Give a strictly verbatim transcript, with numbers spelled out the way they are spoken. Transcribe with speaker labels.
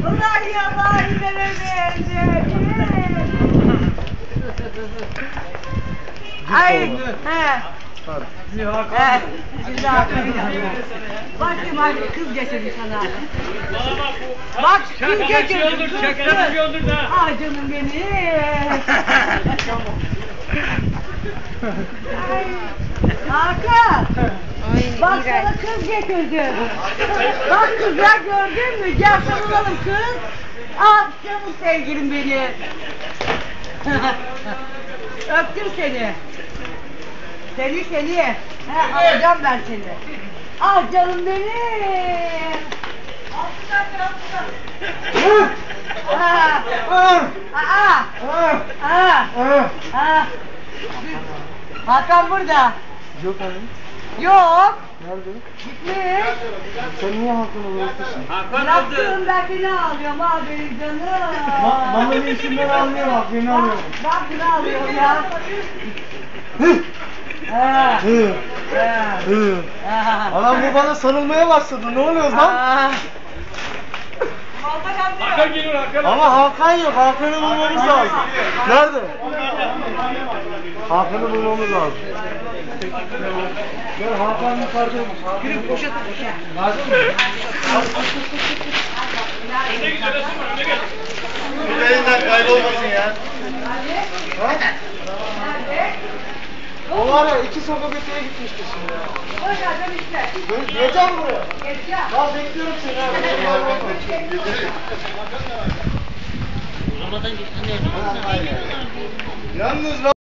Speaker 1: Ulan yalan veremeyecek. Ay, he. He, şimdi bak kim hadi kız getirdi sana. Bak kız getirdi, kız kız. Ay canım benim. Ay, Hakan. Bak sana kız getirdim. Bak kızlar gördün mü? Gel sarılalım kız. Ah canım sevgilim benim. Öptüm seni. Seni seni. He, alacağım ben seni. Ah canım benim. Aa. Aa. Aa. Aa. Hakan burada.
Speaker 2: Yok abi.
Speaker 1: Yok.
Speaker 2: Nerede?
Speaker 1: Gitmiş.
Speaker 2: Sen niye Hakan'ı bırakıyorsun?
Speaker 1: Bıraktığım ben seni ağlıyorum abi canım.
Speaker 2: Ma Mama'nın işinden almıyor bak, beni alıyor.
Speaker 1: Bak bunu alıyorum ya.
Speaker 2: Hı.
Speaker 1: Ha.
Speaker 2: Hı.
Speaker 1: Ha.
Speaker 2: Hı.
Speaker 1: Ha.
Speaker 2: Adam bu bana sarılmaya başladı. Ne oluyor lan?
Speaker 1: Ha.
Speaker 3: Hakan geliyor Hakan.
Speaker 2: Ama Hakan yok. Hakan'ı bulmamız lazım. Nerede? Hakan'ı bulmamız lazım. Gel Hakan yukarıda.
Speaker 1: Yürü poşet poşet.
Speaker 2: Lazım mı?
Speaker 3: Önüne git öyle sürme önüne gel.
Speaker 2: Bu yayından kaybolmasın ya. Ha? O var ya iki sokak öteye gitmişti şimdi ya.
Speaker 1: Hoş geldin işte.
Speaker 2: Geleceğim buraya.
Speaker 1: Geçeceğim.
Speaker 2: Ya bekliyorum seni abi.
Speaker 4: Ramazan geçti.
Speaker 2: Yalnız